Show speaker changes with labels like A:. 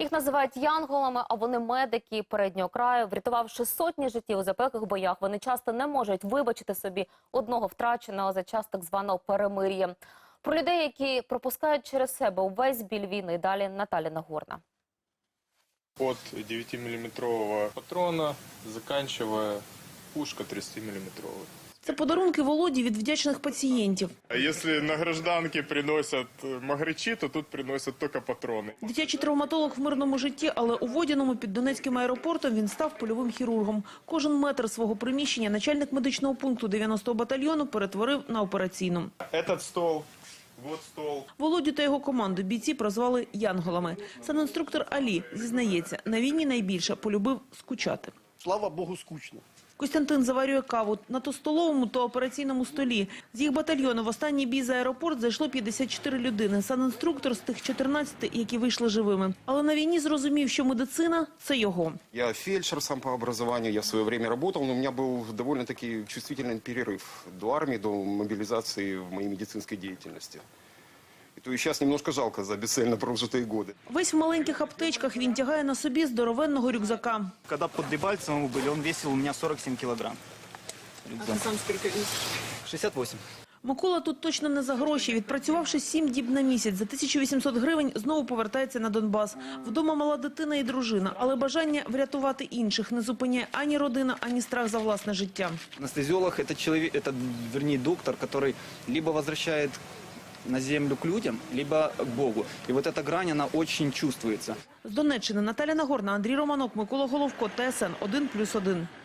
A: Їх називають янголами, а вони медики переднього краю. Врятувавши сотні життів у запеклих боях, вони часто не можуть вибачити собі одного втраченого за час так званого перемир'я. Про людей, які пропускають через себе увесь біль війни, далі Наталя Нагорна.
B: От 9-мм патрона, заканчивая пушка 30-мм.
C: Це подарунки Володі від вдячних пацієнтів.
B: А якщо на гражданки приносять магричі, то тут приносять тільки патрони.
C: Дитячий травматолог в мирному житті, але у Водяному під Донецьким аеропортом він став польовим хірургом. Кожен метр свого приміщення начальник медичного пункту 90-го батальйону перетворив на операційну.
B: Этот стол, вот стол.
C: Володю та його команду бійці прозвали янголами. Санінструктор Алі зізнається, на війні найбільше полюбив скучати.
D: Слава Богу, скучно.
C: Костянтин заварює каву на то столовому, то операційному столі. З їх батальйону в останній бій за аеропорт зайшло 54 людини. Санінструктор з тих 14, які вийшли живими. Але на війні зрозумів, що медицина – це його.
E: Я фельдшер сам по образованию, я в свое время работал, но у меня был довольно-таки чувствительный перерыв до армии, до мобилизации в моей медицинской деятельности. И то и сейчас немножко жалко за бесцельно прожитые годы.
C: Весь в маленьких аптечках він тягає на собі здоровенного рюкзака.
F: Когда под Дебальцевым были, он весил у меня 47 килограмм.
C: А ти сам скільки весиш?
F: 68.
C: Микола тут точно не за гроші. Відпрацювавши 7 діб на місяць, за 1800 гривень знову повертається на Донбас. Вдома мала дитина і дружина, але бажання врятувати інших не зупиняє ані родина, ані страх за власне життя.
F: Анестезиолог – это человек, это, вернее, доктор, который либо возвращает на землю к людям, либо к Богу. И вот эта грань, она очень чувствуется.
C: З Донеччини Наталя Нагорна, Андрій Романок, Микола Головко, ТСН 1+1.